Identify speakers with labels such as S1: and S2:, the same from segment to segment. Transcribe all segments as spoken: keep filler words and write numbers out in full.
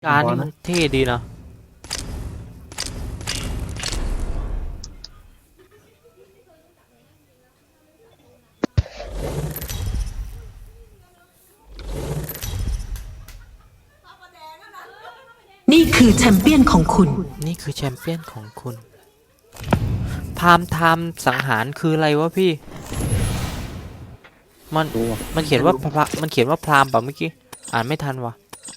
S1: การนี่มันเท่ดีนะ
S2: นี่คือแชมเปี้ยนของคุณ
S1: นี่คือแชมเปี้ยนของคุณพามไทม์สังหารคืออะไรวะพี่มันมันเขียนว่าพระมันเขียนว่าพรามป่ะเมื่อกี้อ่านไม่ทันวะ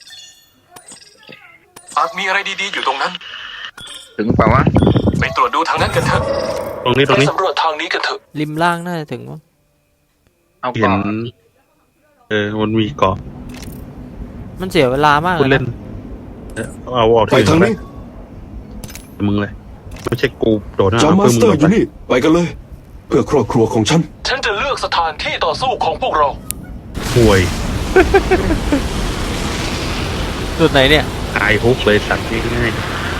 S3: อาจมีอะไรดีๆอยู่ตรงนั้น
S4: ถึงเปล่าวะ
S3: ไปตรวจดูทางนั้นกันเถอะ
S5: ตรงนี้ตรงนี้
S3: ไปสำรวจทางนี้กันเถอะ
S1: ริมล่างน่าจะถึงวะ
S4: เอา
S5: เห็
S4: ก่อน น
S5: เออมันมีเกาะ
S1: มันเสียเวลามาก
S5: คุณเล่นเอาเอา
S6: ไปทางนี้
S5: มึงเลยไม่ใช่กูโดดหน้า
S6: จอมมาสเตอร์อยู่นี่ไปกันเลยเพื่อครอบครัวของฉัน
S3: ฉันจะเลือกสถานที่ต่อสู้ของพวกเรา
S5: ห่วย
S1: จุดไหนเนี่ย
S5: ตายฮุกเลยสัตว์ง่าย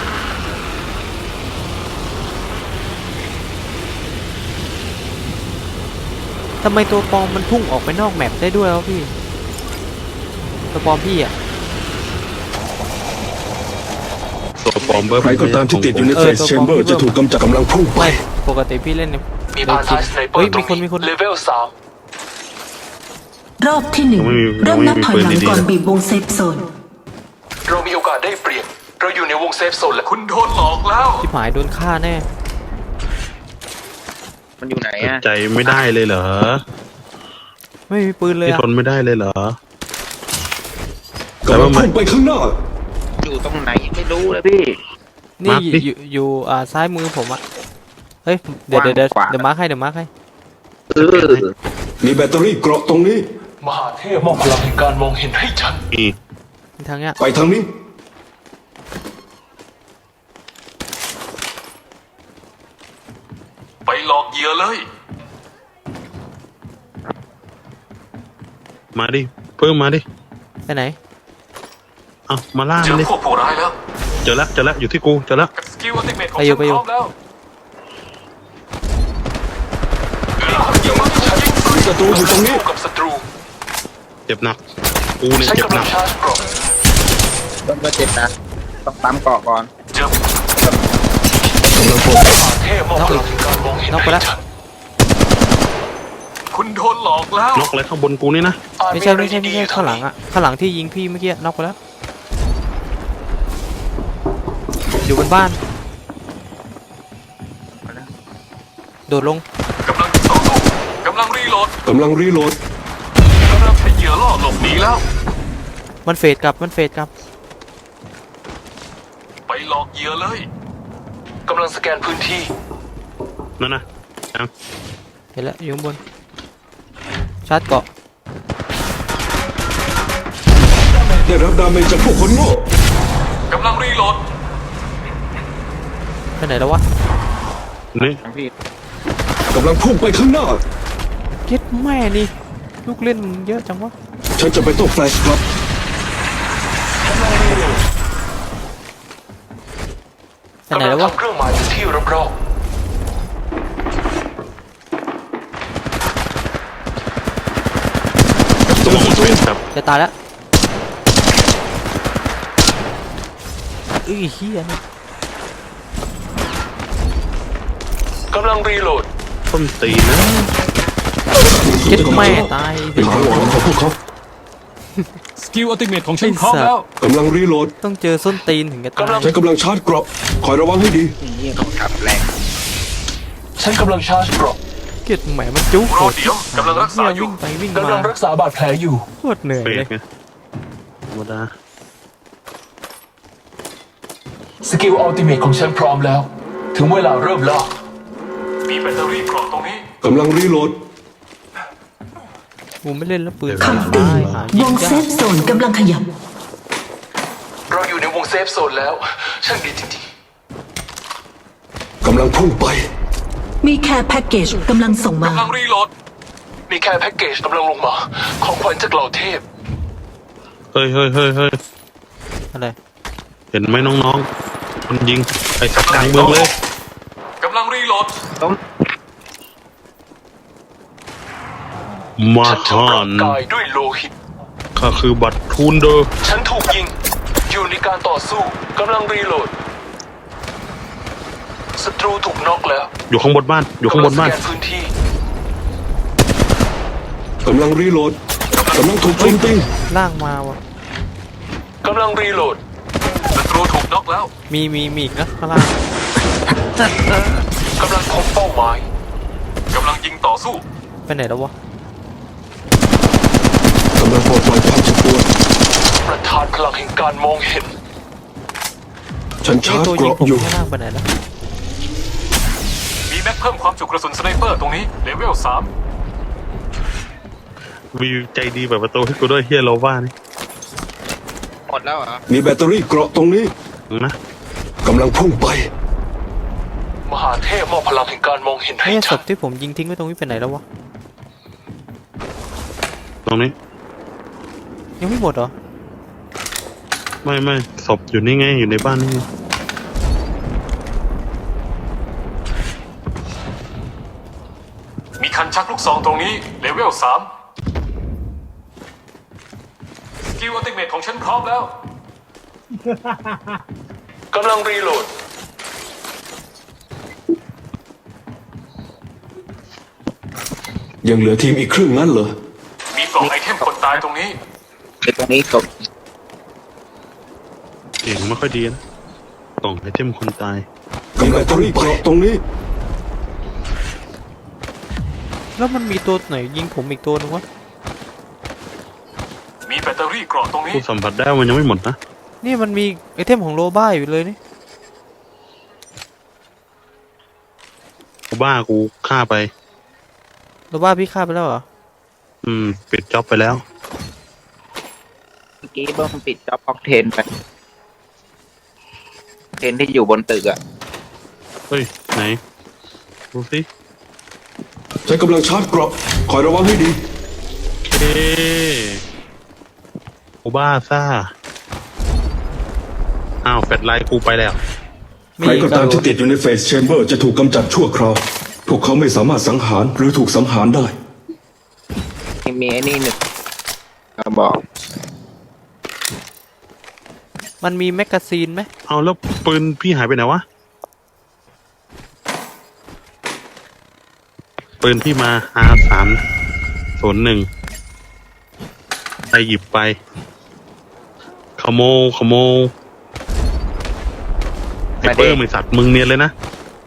S1: ทำไมตัวปลอมมันพุ่งออกไปนอกแมปได้ด้วยวะพี่ตัวปลอมพี่อ่ะ
S5: ตัวปลอมเบอร์
S6: ใครก็ตามที่ติดอยู่ในเฟสแชมเบอร์จะถูกกำจัดกำลังพุ่งไป
S1: ปกติพี่เล่นเนี่ย
S3: มีพาร์ทสไนเปอร์ตรงนี้เลเวลสาม
S2: รอบที่หนึ่งเริ่มนับถอยหลังก่อนบีบวงเซฟโซน
S3: เรามีโอกาสได้เปรียบเราอยู่ในวงเซฟโซนและคุณโดนหลอกแล้ว
S1: ที่หมายโดนฆ่าแน่
S4: มันอยู่ไหนอะ
S5: ใจไม่ได้เลยเหรอ
S1: ไม่มีปืนเลย
S5: ที่ทนไม่ได้เลยเหรอ
S6: แต่ว่ามันไปข้างหน้า
S4: อยู่ตรงไหนยังไม่รู้เลยพี่
S1: นี่อยู่อยู่อ่าซ้ายมือผมอะเฮ้ยเดี๋ยวเดี๋ยวเดี๋ยวเดี๋ยวมาร์คให้เดี๋ยวมาร์คให้
S6: มีแบตเตอรี่เกราะตรงนี้
S3: มหาเทพมอบพลังแห่งการมองเห็นให้ฉัน
S5: อี
S1: ทางเนี้ย
S6: ไปทางนี้
S3: ไปหลอกเหยื่อเลย
S5: มาดิเพิ่มมาดิ
S1: ไปไหน
S5: เอามาล่า
S3: เจอ
S5: ดิ
S3: พวกผู้ร้ายแล้ว
S5: เจอแล้วเจอแล้วอยู่ที่กูเจอแล้ว
S3: สกิลอัลติเมทของฉันพร้อมแล้ว
S6: ศัตรูอยู่ตรงนี้
S3: กับศัตรู
S5: เจ็บหนักกูเนี่ยเจ็บหนัก
S4: ต้องก็เจ็บนะต้องตามเกาะก่อน
S3: เจอกำลังพบเทพมอบพลังการมองเห็นให้ฉันคุณโดนหลอกแล้ว
S5: นกอะไรข้างบนกูนี่นะ
S1: ไม่ใช่ไม่ใช่ไม่ใช่ข้างหลังอะข้างหลังที่ยิงพี่เมื่อกี้นอกไปแล้วอยู่บนบ้านโดดลง
S3: กำลังต่อสู้กำลังรีโหลด
S6: กำลังรีโหลด
S3: กำลังให้เหยื่อล่อหลบหนีแล้ว
S1: มันเฟดกลับมันเฟดกลับ
S3: ไปหลอกเหยื่อเลยกำลังสแกนพื้นที่
S5: นั่นนะ
S1: เห็นแล้วอยู่บนชาร์จเกาะ
S6: ได้รับดาเมจจากพวกคนโง่
S3: กำลังรีโหลด
S1: ไปไหนแล้ววะ
S5: นี่
S4: พี่
S6: กำลังพุ่งไปข้างหน้า
S1: เก็ตแม่นี่ลูกเล่นเยอะจังวะ
S6: ฉันจะไปโต้แฟลชครับ
S1: ไปไหนแล้ววะ
S3: เครื่องหมายที่รอบ
S1: จะตายแล้วเอ้ยเฮียนี่
S3: กำลังรีโหลด
S5: ต้นตีนะ
S1: เก็ตแม่ตาย
S6: เป็นหวังของพวกเขา
S3: สกิลอัลติเมทของฉันพร้อมแล้ว
S6: กำลังรีโหลด
S1: ต้องเจอส้นตีนถึงจะตาย
S6: ฉันกำลังชาร์จเกราะคอยระวังให้ดี
S4: นี่ต้องขับแรง
S3: ฉันกำลังชาร์จเกราะ
S1: เก็ตแหมมันจุ๊ก
S3: รอเดี๋ยวกำลังรักษาอยู่
S1: วิ่งไปวิ่งมาก
S3: ำลังรักษาบาดแผลอยู่
S1: โคตรเหนื่อยเลย
S5: ธรรมดา
S3: สกิลอัลติเมทของฉันพร้อมแล้วถึงเวลาเริ่มล่ามีแบตเตอรี่เกราะตรงนี้
S6: กำลังรีโหลด
S1: กูไม่เล่นแล้วปืน
S2: คำเตือนวงเซฟโซนกำลังขยับ
S3: เราอยู่ในวงเซฟโซนแล้วช่างดีจริง
S6: ๆกำลังพุ่งไป
S2: มีแคร์แพ็กเกจกำลังส่งมาก
S3: ำลังรีโหลดมีแคร์แพ็กเกจกำลังลงมาของขวัญจากเหล่าเทพ
S5: เฮ้ยเฮ้ยเฮ้ยเฮ้ย
S1: อะไร
S5: เห็นไหมน้องๆมันยิงไอ้สัตว์กลางเมืองเลย
S3: กำลังรีโหลด
S5: มาทาน
S3: กายด้วยโลหิต
S5: ข้าคือบัตรทูนเดอร์
S3: ฉันถูกยิงอยู่ในการต่อสู้กำลังรีโหลดศัตรูถูกน็อกแล้ว
S5: อยู่ข้างบนบ้าน อยู่ข้างบนบ้าน
S3: กำลัสแกพื้นที่
S6: กำลังรีโหลดกำลังถูกโจมตี
S1: ล่างมาวะ
S3: กำลังรีโหลดศัตรูถูกน็อกแล้ว
S1: มีมีมีอีกนะข้างล่าง
S3: กำลังคงเป้าหมายกำลังยิงต่อสู้
S1: ไปไหนแล้ววะ
S6: กำลังปลดปล่อยความเจ็บปวด
S3: ประธานพลังแห่งการมองเห็น
S6: ฉัน
S1: ไอ
S6: ชาร์จ
S1: ตัว
S6: เก
S1: ยิง
S6: ราะ
S1: ผม
S6: อยู่
S1: ข้างล่างไปไหนแล้ว
S3: มีแม็กเพิ่มความจุกระสุนสไนเปอร์ตรงนี้เลเวลสาม
S5: วิวใจดีแบบประตูให้กูด้วยเฮียโลว่านี่
S4: หมดแล้วเหรอ
S6: มีแบตเตอรี่เกราะตรงนี้
S5: นะ
S6: กำลังพุ่งไป
S3: มหาเทพมอบพลังแห่งการมองเห็นให้
S1: ไอ้ศ
S3: ฉั
S1: พ
S3: น
S1: ที่ผมยิงทิ้งไว้ตรงนี้ไปไหนแล้ววะ
S5: ตรงนี้
S1: ยังไม่หมดเหรอ
S5: ไม่ไม่ศพอยู่นี่ไง อยู่ในบ้านนี่ไง
S3: มีคันชักลูกซองตรงนี้เลเวลสามสกิลอัลติเมทของฉันพร้อมแล้ว กำลังรีโหลด
S6: ยังเหลือทีมอีกครึ่งนั้นเหรอ
S3: มีกล่องไอเทมคนตายตรงนี้
S4: ในตรงนี้ศพ
S5: เสียงไม่ค่อยดีนะกล่องไอเทมคนตาย
S6: มีแบตเตอรี่เกราะตรงนี้
S1: แล้วมันมีตัวไหนยิงผมอีกตัวนึงวะ
S3: มีแบตเตอรี่เกราะตรงนี้
S5: กูสัมผัสได้ว่ามันยังไม่หมดนะ
S1: นี่มันมีไอเทมของโลบ้าอยู่เลยนี่
S5: กูบ้ากูฆ่าไป
S1: โลบ้าพี่ฆ่าไปแล้วเหรอ
S5: อืม ปิดจ็อบไปแล้ว
S4: เมื่อกี้เบิ้มปิดจ็อบออกเทนไปเทนที่อยู่บนตึกอะ
S5: เฮ้ย ไหน ดูสิ
S6: ฉันกำลังชาร์จเกราะคอยระวังให้ดี
S5: เอ๊กูบ้าซ่า อ้าวแฟลชไลท์กูไปแล้ว
S6: ใครก็ตามที่ติดอยู่ในเฟสแชมเบอร์จะถูกกำจัดชั่วคราว พวกเขาไม่สามารถสังหารหรือถูกสังหารได้
S4: มีไอ้นี่หนึ่งกระบอก
S1: มันมีแมกกาซีนไหม
S5: เอาแล้วปืนพี่หายไปไหนวะ ปืนพี่มา อาร์ สาม ศูนย์ หนึ่ง ใครหยิบไป ขโมยขโมยไอ้เปิ้มไอ้สัตว์มึงเนียนเลยนะ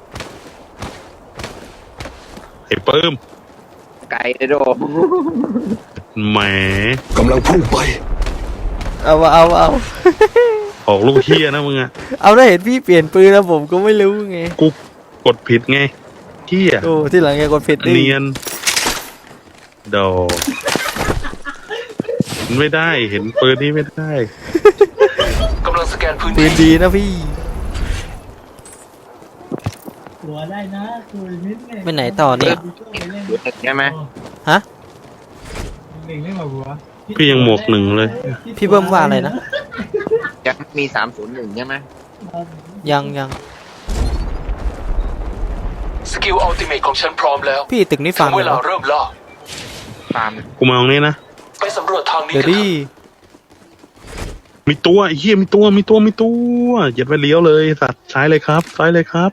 S5: ไอ้เปิ้ม
S4: ไก่ได้โด
S5: แหม
S6: กำลังพุ่งไป
S1: เอาวะเอาวะเอา
S5: ออกลูกเฮียนะมึงอะ
S1: เอาได้เห็นพี่เปลี่ยนปืนแล้วผมก็ไม่รู้ไง
S5: กูกดผิดไงเฮีย
S1: โอ้ที่หลังแกกดผิดดิ
S5: เนียนโดมันไม่ได้เห็นปืนนี้ไม่ได้
S3: กำลังสแกนพื้น
S1: ปื
S3: ที่
S1: นดีนะพี่
S7: หัวได้นะคุยนิดหนึ่ง
S1: ไปไหนต่อเนี่ย
S4: อยู่ตึกใช่ไหม
S1: ฮะ
S7: หนึ่งไม่มาหัว
S5: พี่ยังหมวกหนึ่งเลย
S1: พี่เบิ้มว่าอะไรนะ
S4: ยังมีสามศูนย์หนึ่งใช่ไหม
S1: ยังยัง
S3: สกิลอัลติเมทของฉันพร้อมแล้ว
S1: พี่ตึกนี้
S3: ถึ
S1: ฟัง
S3: งเว
S1: เหร
S3: ลา
S1: อ
S3: เริ่มล่า
S4: ฟาร์ม
S5: กูมาตรงนี้นะ
S3: ไปสำรวจทางนี้
S1: เดี๋ยว
S3: กัน
S1: ดิ
S3: เถอะ
S5: มีตัวไอ้เหี้ยมีตัวมีตัวมีตัวเหยียดไปเลี้ยวเลยสัตว์ซ้ายเลยครับซ้ายเลยครับ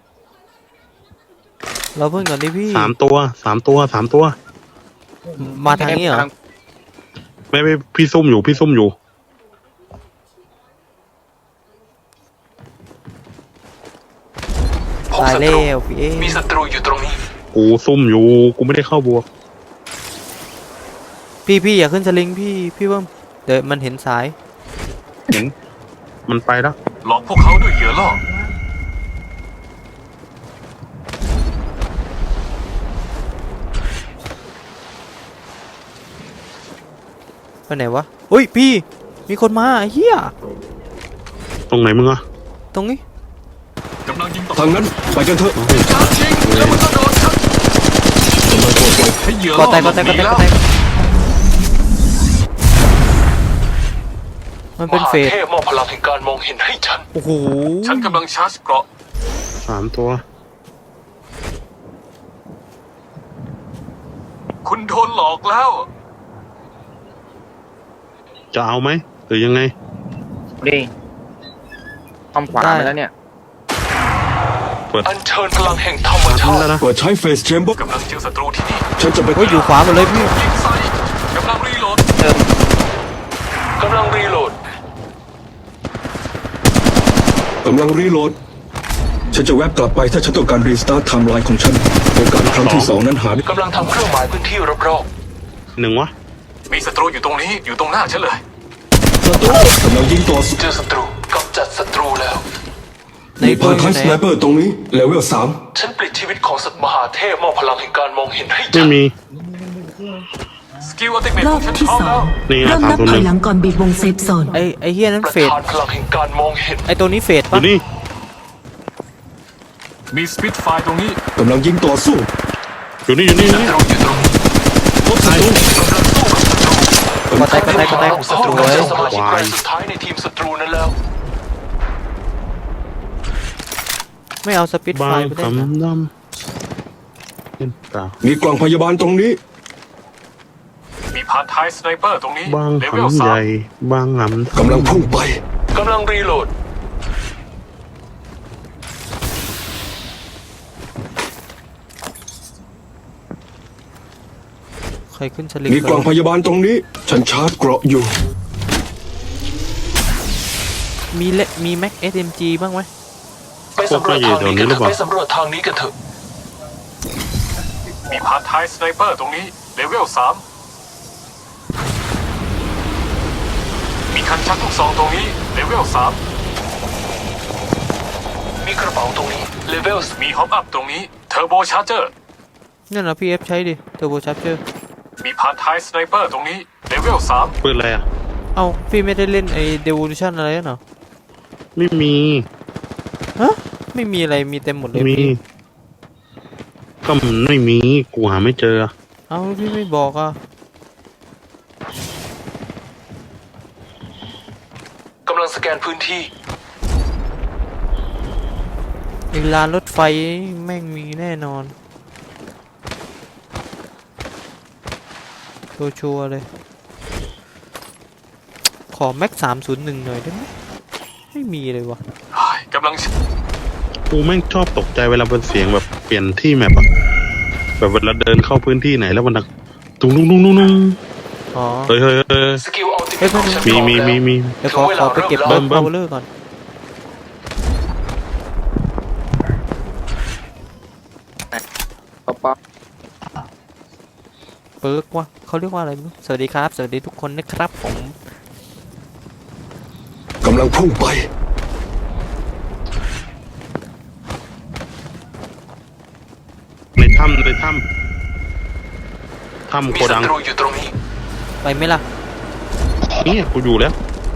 S1: เราเพิ่งก่อนดิพี่
S5: สามตัวสามตัวสามตัว
S1: มาทางนี้เหรอ
S5: ไม่ไม่พี่ซุ่มอยู่พี่ซุ่มอยู่
S3: พบ
S1: ตาย
S3: ศัต
S1: แล้
S3: รู
S1: วพี่เอ
S3: มีศัตรูอยู่ตรงนี้
S5: กูซุ่มอยู่กูไม่ได้เข้าบวก
S1: พี่พี่อย่าขึ้นสลิงพี่พี่เบิ้มเดี๋ยวมันเห็นสาย
S5: เห็นมันไปแล้ว
S3: หลอกพวกเขาด้วยเหยื่อล่อ
S1: ไปไหนวะอุ้ยพี่ มีคนมาไอ้เฮีย
S5: ตรงไหนมึงอะ
S1: ตรงนี้
S3: กำลังยิงต่อ
S6: ทางนั้นไปกันเถอะ
S3: ชาร์จยิงแล้วมันก็โดนฉัน
S6: กำลังปลดปล่อย
S3: ให้เหยื่อ
S1: ก็
S3: ล่อ
S1: แตกก็แตกก็แตกก็แตกมัน
S3: ม
S1: เป็น
S3: หา
S1: เฟส
S3: เทพมอบพลังแห่งการมองเห็นให้ฉัน
S1: โอ้โห
S3: ฉันกำลังชาร์จเกราะ
S5: สามตัว
S3: คุณโดนหลอกแล้ว
S5: จะเอาไหมหรือยังไง
S4: นี่ทำขวาไปแล้วเนี่ย
S5: เปิด
S3: อัญเชิญพลังแห่งธรรมชา
S5: แล้ว
S3: ติ
S5: นะ
S6: เปิดใช้เฟสแชมเบอร์
S3: กำลังเจอศัตรูที่นี่
S6: ฉันจะไป
S1: โอ้ยอยู่ขวาหมดเลยพี่
S3: ยิงใส่กำลังรีโหลด
S4: เติม
S3: กำลังรีโหลด
S6: กำลังรีโหลด ฉันจะแวบกลับไปถ้าฉันต้องการรีสตาร์ทไทม์ไลน์ของฉันโอกาสครั้งที่สองนั้นหาไม่
S3: กำลังทำเครื่องหมายพื้นที่รอบ
S5: หนึ่งวะ
S3: ๆมีศัตรูอยู่ตรงนี้อยู่ตรงหน้าฉันเลย
S6: กำลังยิงต่อสู้
S3: เจอศัตรูกำจัดศัตรูแล้ว
S1: ใน
S6: มี
S1: ตัว
S6: พา
S1: อ
S6: ร์ท
S1: ยู่
S6: ไท
S1: ไหน
S6: สไนเปอร์ตรงนี้เลเวลสาม
S3: ฉันปลิดชีวิตของสัตว์มหาเทพมอบพลังแห่งการมองเห็นให้
S5: ไม่
S3: ฉัน
S5: มี
S3: สกิลอัลติเมท
S2: ร
S3: ข
S2: อ
S3: อบ งฉัน
S2: ที่
S3: พร้อม
S2: สอ
S3: แล้ว
S2: ง
S5: นี่ไง
S2: เริ่มนับ
S5: สามศูนย์
S2: ถ
S5: หนึ่
S2: อย
S5: ง
S2: หลังก่อนบีบวงเซฟโซน
S1: ไอไอเฮียนั้น
S3: ประ
S1: เฟด
S3: ทานพลังแห่งการมองเห็น
S1: ไอตัวนี้เฟด
S5: อ
S1: ปะ
S5: ยู่นี่
S3: มีสปิทไฟตรงนี้
S6: กำลังยิงต่อสู้
S5: อยู่นี่อยู่นี่อยู่
S3: ศั
S5: นี่
S3: ตรูอยู่ตรงนี้
S6: พบศัตรู
S1: ก็แตกก็แตกก็แตก
S3: ศั
S1: ส
S3: ตรู
S1: วย
S3: เป็นสมาชิกรายสุดท้ายในทีมศัตรูนั้นแล้ว
S1: ไม่เอาสปิด
S5: บา
S1: ไฟ
S5: ง
S1: ไปได้นะ
S5: คำดำเป็นเปล่า
S6: มีกล่องพยาบาลตรงนี้
S3: มีพาร์ทไทสไนเปอร์ตรงนี้
S5: บาง
S3: เลเวล
S5: หำ
S3: สา
S5: ให
S3: ม
S5: ญ่บางหำ
S6: กำลังพุ่งไป
S3: กำลังรีโหลด
S1: ใครขึ้นสลิง
S6: มีกล่องพยาบาลตรงนี้ ฉันชาร์จเกราะอยู่
S1: มีเละมีแม็กเอสเอ็มจีบ้างไหม
S3: ไปสำรวจทางนี้กันเถอะไปสำรวจทางนี้กันเถอะ มีพาร์ทไทสไนเปอร์ตรงนี้เลเวลสามมีคันชักลูกซองตรงนี้เลเวลสามมีกระเป๋าตรงนี้เลเวลมีฮอปอัพตรงนี้เทอร์โบชาร์เจอร์
S1: นั่นนะพี่เอฟใช้ดิเทอร์โบชาร์เจอร์
S3: มีพาร์ทไทสไนเปอร์ตรงนี้เลเวลสาม
S5: ปืนอะไรอ่ะ
S1: เอ้าพี่ไม่ได้เล่นไอเดวูชั่นอะไรเหรอ
S5: ไม่มี
S1: ฮะไม่มีอะไรมีเต็มหมดเลย
S5: มี
S1: พี่
S5: ก็มันไม่มีกูหาไม่เจอ
S1: เอ้าพี่ไม่บอกอ่ะ
S3: กำลังสแกนพื้นที่
S1: ไอลานรถไฟแม่งมีแน่นอนตัวชัวร์เลย ขอแม็กสามศูนย์หนึ่งหน่อยได้ไหมไม่มีเลยวะ
S3: กำลัง
S5: กูแม่งชอบตกใจเวลาเป็นเสียงแบบเปลี่ยนที่แมปอะแบบเวลาเดินเข้าพื้นที่ไหนแล้วมันดังตุ้งตุ้งตุ้งตุ้งตุ้ง
S1: อ๋อ
S5: เฮ้ยเฮ้ยเฮ้ย
S3: สกิลอัลติเม
S1: เฮ้ย
S3: ทของฉัน
S5: มีมีมีมี
S1: เดี๋ยวขอขอไปเก็บ
S5: เบิ่
S1: เบิ้
S5: ม
S1: ม
S5: เบิ่
S1: เบาม เลอร์ก่อน
S4: ป๊อปป๊อป
S1: เปิร์กวะเขาเรียกว่าอะไรไม่รู้สวัสดีครับ สวัสดีทุกคนนะครับผม
S6: กำลังพุ่งไป
S5: ในถ้ำในถ้ำถ้ำ
S3: มี
S5: โก
S3: ศั
S5: ดัง
S3: ตรูอยู่ตรงนี้
S1: ไปไหมล่ะ
S5: เนี่ยกูอยู่แล้ว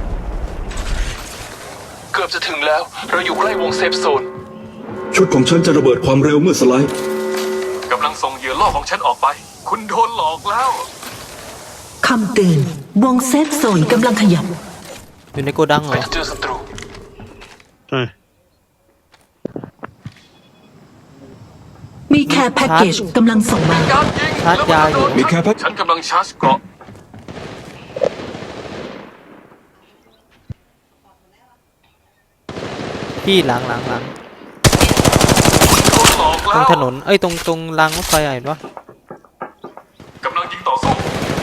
S3: เกือบจะถึงแล้ว เราอยู่ใกล้วงเซฟโซน
S6: ชุดของฉันจะระเบิดความเร็วเมื่อสไลด์
S3: กำลังส่งเหยื่อล่อของฉันออกไป คุณโดนหลอกแล้ว
S2: คำเตือนวงเซฟโซนกำลังขยับ
S1: อยู่ในโกดังเหร
S3: ไป
S1: อ
S3: เจอศัตรู
S5: ใช่
S2: มีแค่แพ็กเกจกำลังส่งมา
S3: การยิง
S1: ชาร์จยาอยู่
S6: มีแค่แพ็ค
S3: ฉันกำลังชาร์จเกราะ
S1: พี่หลังหลังหลัง
S3: โดนหลอก
S1: ตร
S3: แล้
S1: ง
S3: ว
S1: ถนน เอ้ยตรงตรงรางรถไฟอะเห็นปะ
S3: กำลังยิงต่อสู้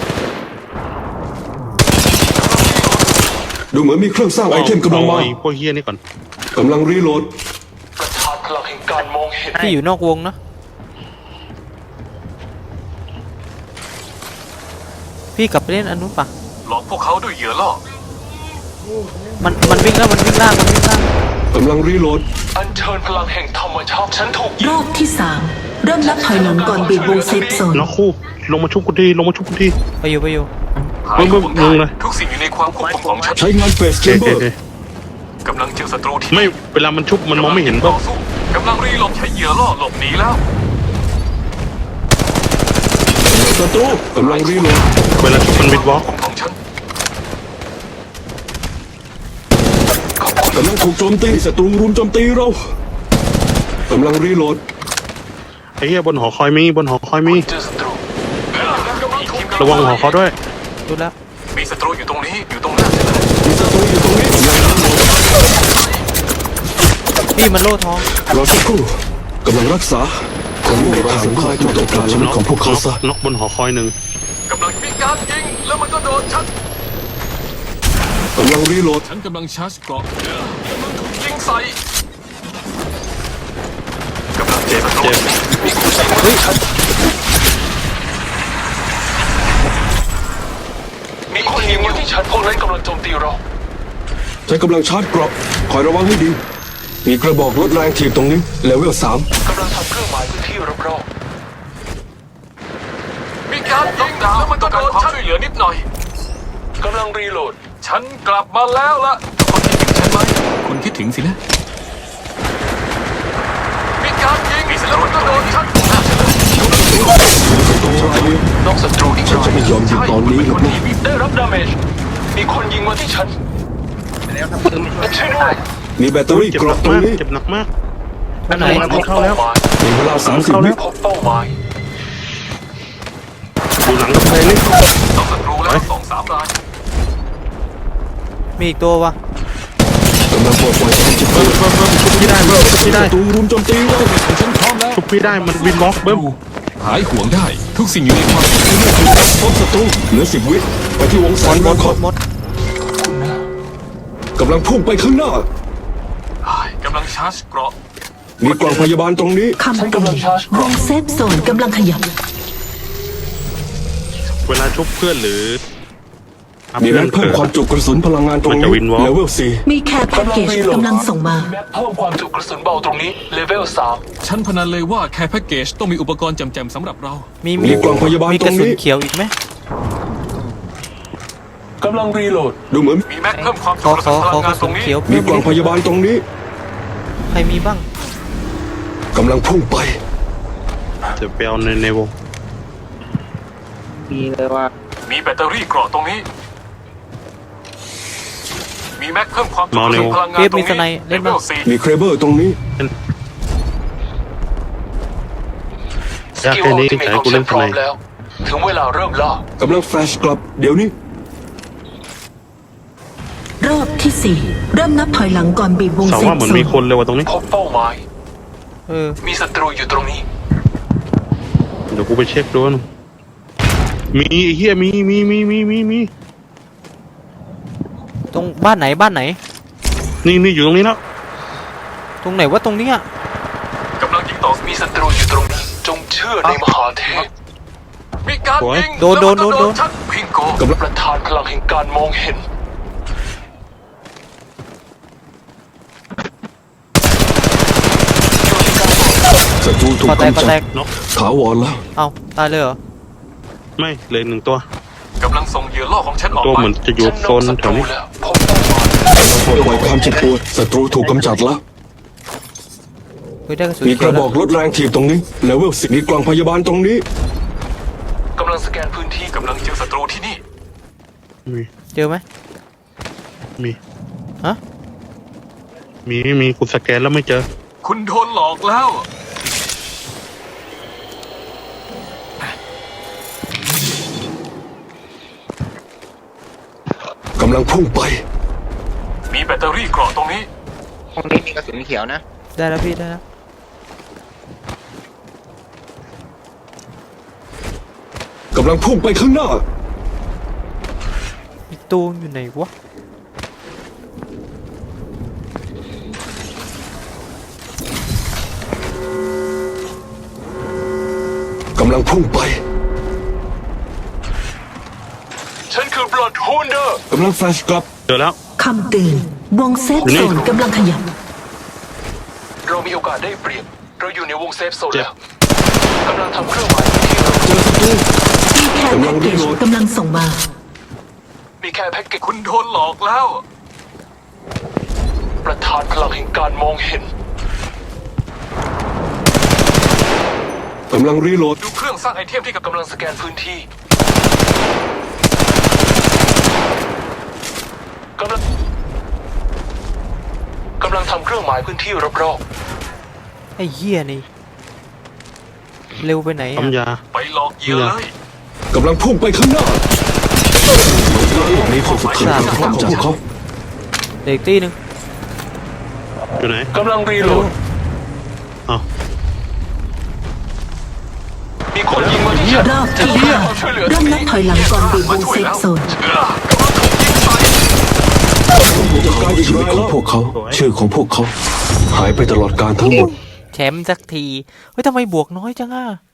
S6: ดูเหมือนมีเครื่องสร้างไอเทมกำลังมา
S5: เอไอ้พวกเฮี้ยนี่ก่อน
S6: กำลังรีโหลด
S3: ประทานพลังแห่งการมองเห็น
S1: พี่อยู่นอกวงนะพี่กลับไปเล่นอันนู้นปะ
S3: หลอกพวกเขาด้วยเหยื่อล่อ
S1: มันมันวิ่งแล้วมันวิ่งล่างมันวิ่งล่าง
S6: กำลังรีโหลด
S3: อัญเชิญพลังแห่งธรรมชาติฉันถูกยิ
S2: รง อบที่สามเริ่มนับถอยหลังก่อนบีบวงเซฟโซน
S5: แล้วคู่ลงมาชุบกูทีลงมาชุบกูที
S1: ไปอยู่ไปอยู่
S3: หาย
S5: มึงมึง
S3: ห่วง
S5: มึง
S3: ได้
S5: นะ
S3: ทุกสิ่งอยู่ในความควบคุมของฉัน
S6: ใช้งานเฟสแช
S5: เอ๊ะ
S6: มเบอ
S5: เอ๊ะ
S6: ร์
S5: เอ๊ะ
S3: กำลังเจอศัตรูที่
S5: ไม่เวลามันชุบมันมองไม่เห็น
S3: ต่
S5: ป่ะ
S3: อสู้กำลังรีโหลดใช้เหยื่อล่อหลบหนีแล้ว
S6: ศัตรูกำลังรีโหลด
S5: เวลาชุบมันวิดวอล์ก
S3: ของฉัน
S6: กำลังถูกโจมตีศัตรูรุมโจมตีเรากำลังรีโหลด
S5: ไอ้เหี้ยบนหอคอยมีบนหอคอยมี
S3: เจอศัตรู
S5: ระวังหอคอยด้วย
S1: ดูแล้ว
S3: มีศัตรูอยู่ตรงนี้อยู่ตรงหน้าฉันเลย
S6: มีศัตรูอยู่ตรงนี้กำลังรีโหลด
S1: พี่มันโล่ท้อง
S6: รอสักครู่กำลังรักษาผมไม่ทางสายจุดต้องการชีวิตของพวกเขาซะ
S5: น็อกบนหอคอยหนึ่ง
S3: กำลังมีการยิงแล้วมันก็โดนฉัน
S6: กำลังรีโหลด
S3: ฉันกำลังชาร์จเกราะมันถูกยิงใส่กำลัง
S5: เจ็บเจ็บ
S3: มีคนยิงมาที่ฉันมีคนยิงมาที่ฉันพวกนั้นกำลังโจมตีเรา
S6: ใช้กำลังชาร์จเกราะคอยระวังให้ดี มีกระบอกลดแรงถีบตรงนี้เลเวลสาม
S3: กำลังทำเครื่องหมายพื้นที่รอบๆมีการยิงแล้วมันก็โดนฉันช่วยเหลือนิดหน่อยกำลังรีโหลดฉันกลับมาแล้วล่ะคนคิดถึงฉันไหมคุณคิดถึงสินะมีการยิงแล้วมันก็โดนฉันนอกศัตรูอีก
S6: ฉันจะไม่ยอมยิงตอนนี้หรอกนะ
S3: ได้รับดาเมจมีคนยิงมาที่ฉัน
S4: แล้วทำปืนไม่
S3: ช่วยด้
S4: ได้
S3: วย
S6: มีแบตเตอรี่
S5: เจ็บ
S6: เก
S5: หนั
S6: ราะ
S5: ก
S6: ตรง
S5: มาก
S6: นี้
S5: เจ็บหนักมาก
S1: อันไหน
S3: พบเป้าหมาย
S6: มีเวลาสามสิบวิ
S3: พบเป้าหมาย
S5: ดูหลังกับใครเลย
S3: นอกศัตรูแล้วสองสามราย
S1: มีอีกตัววะ
S6: กำลังปลดปล่อยพลังจิต
S5: เบิ้มเบิ้มเบิ้มชุบพี่ได้เบิ้มชุบพี่ได้
S6: ศัตรูรุมโจมตีเรา
S3: ฉันพร้อมแล้ว
S5: ชุบพี่ได้มันวินบล็อกเบิ้ม
S3: หายห่วงได้ทุกสิ่งอยู่ในความ
S6: พบศัตรูเหลือสิบวิไปที่วงแสง
S1: หม
S6: บอ
S1: ด
S6: ล
S1: ห
S6: ค
S1: ม
S6: อ
S1: ดหมด
S6: กำลังพุ่งไปข้างหน้า
S3: กำลังชาร์จเกราะ
S6: มีกล่องพยาบาลตรงนี้
S2: คำเตือนวงเซฟโซนกำลังขยับ
S5: เวลาชุบเพื่อนหรือทำ
S6: มี
S5: เพื่
S6: แร
S5: อน
S6: งเพิ่ม
S5: เกิด
S6: ความจุกระสุนพลังงานตรง
S5: มัน
S6: นี้
S5: จะวินวอล์ก
S6: เลเวลสี่
S2: มีแคร์แพ็กเกจกำลังส่งมา
S3: แม็กเพิ่มความจุกระสุนเบาตรงนี้เลเวลสามฉันพนันเลยว่าแค่แพ็กเกจต้องมีอุปกรณ์จำๆสำหรับเรา
S1: มี
S6: มีกล่องพยาบาล
S1: มี
S6: ต
S1: ก
S6: ร
S1: ระ
S6: ง
S1: สุน
S6: นี้
S1: เขียวอีกไหม
S3: กำลังรีโหลด
S6: ดูเหมือน
S3: มีแม็กเพิ่มความ
S1: ข
S3: จุ
S1: อก
S3: ระ
S1: ข
S3: สุ
S1: อน
S3: พ
S1: ข
S3: ลั
S1: อง ก
S3: งา
S1: ระ
S3: นต
S1: สุ
S3: ร
S1: น
S3: งนี้
S1: เขียว
S6: มี
S1: เพิ่ม
S6: กล่องพ
S1: ดิ
S6: ยาบาลตรงนี้
S1: ใครมีบ้าง
S6: กำลังพุ่งไป
S5: จะไปเอาในในวง
S4: มีเลยว่า
S3: มีแบตเตอรี่เกราะตรงนี้ มีแม็กเพิ่มความจุกระสุนพลังงานตรง
S1: เทปมีสไน
S3: นี้
S1: เล่นบ้าง
S3: สี่
S6: มีเครเบอร์ตรงนี้
S5: ยากแค่นี้แต่ให้กูเล่นทนาย
S3: ถึงเวลาเริ่มล่าก
S6: ำลังแฟลชกลับ เดี๋ยวนี้
S2: รอบที่สี่เริ่มนับถอยหลังก่อนบีบวง
S5: สาว
S2: เซฟ
S5: ว่าเหมือน
S2: โซ
S5: มี
S2: น
S5: คนเลยว่ะตรงนี้
S3: พบเป้าหมาย
S1: เออ
S3: มีศัตรูอยู่ตรงนี้
S5: เดี๋ยวกูไปเช็คดูนะมีไอ้เฮียมีมีมีมีมีมี
S1: ตรงบ้านไหนบ้านไหน
S5: นี่นี่อยู่ตรงนี้แล้ว
S1: ตรงไหนว่าตรงเนี้ย
S3: กำลังยิงต่อมีศัตรูอยู่ตรงนี้ จงเชื่อในมหาเทพ มีการยิง
S1: โดนโดนโดนโดน
S3: ชักพิงโกประธานพลังแห่งการมองเห็น
S6: ศัตรูถูก
S1: ก็แตก
S6: กำ
S1: ก็
S6: จั
S1: แต
S6: ด
S1: ก
S5: น็อก
S6: ถาวรแล้ว
S1: เอ้าตายเลยเหรอ
S5: ไม่เหลยหนึ่งตัว
S3: กำลังส่งเหยื่อล่อของฉันออก
S5: ตัว
S3: ไป
S5: เหมือนจะอยู่โซนแถวนี้
S3: พบเป้าหมาย
S6: ปลดปล่อยความเจ็บปวดศัตรูถูกกำจัดแล้ว
S1: เฮ้ยได้กระสุน
S6: มีก
S1: เขียว
S6: ระบ
S1: แล้
S6: อ
S1: ว
S6: กลดแรงถีบตรงนี้เลเวลสิบมีกล่องพยาบาลตรงนี้
S3: กำลังสแกนพื้นที่กำลังเจอศัตรูที่นี่
S5: มี
S1: เจอไหม
S5: มี
S1: ฮะ
S5: มีมีกูสแกนแล้วไม่เจอ
S3: คุณโดนหลอกแล้ว
S6: กำลังพุ่งไป
S3: มีแบตเตอรี่เกราะตรงนี้
S4: ห้องนี้มีกระสุนเขียวนะ
S1: ได้แล้วพี่ได้แล้ว
S6: กำลังพุ่งไปข้างหน้า
S1: อีกตัวอยู่ไหนวะ
S6: กำลังพุ่งไป
S3: ฉันคือบลัดฮูนเดอร์
S6: กำลังแฟลชกลับ
S5: เจอแล้ว
S2: คำเตือนวงเซฟโซนกำลังขยับ
S3: เรามีโอกาสได้เปรียบ เราอยู่ในวงเซฟโซน
S5: เจ็บ
S3: แล้วกำลังทำเครื่องหมายที่เรา
S6: เจอศัตรู
S2: มีแคร์แพ็กเกจกำลังส่งมา
S3: มีแค่แพ็กเกจคุณโดนหลอกแล้ว ประธานพลังแห่งการมองเห็น
S6: กำลังรีโหลด
S3: ดูเครื่องสร้างไอเทมที่กำลังสแกนพื้นที่กำลังกำลังทำเครื่องหมายพื้นที่รอบ
S1: ไอ้เหี้ยนี่เร็วไปไหนอะ
S5: ปั๊มยา
S3: ๆไปหลอกเหยื่อเลย
S6: กำลังพุ่งไปข้างหน้านี่คนสุดท้ายของพวกเขา
S1: เด็กตีหนึ่ง
S5: ไปอยู่ไหน
S3: กำลังรีโหลด
S5: เอ้า
S3: มีคนยิงมาที่ฉัน
S2: รอบที่ห้าเริ่มนับถอยหลังก่อนบีบวงเซฟโซน
S6: จัดการชีวิตของพวกเขา ชื่อของพวกเขา หายไปตลอดการทั้งหมด
S1: แชมป์สักที เฮ้ยทำไมบวกน้อยจังอ่ะ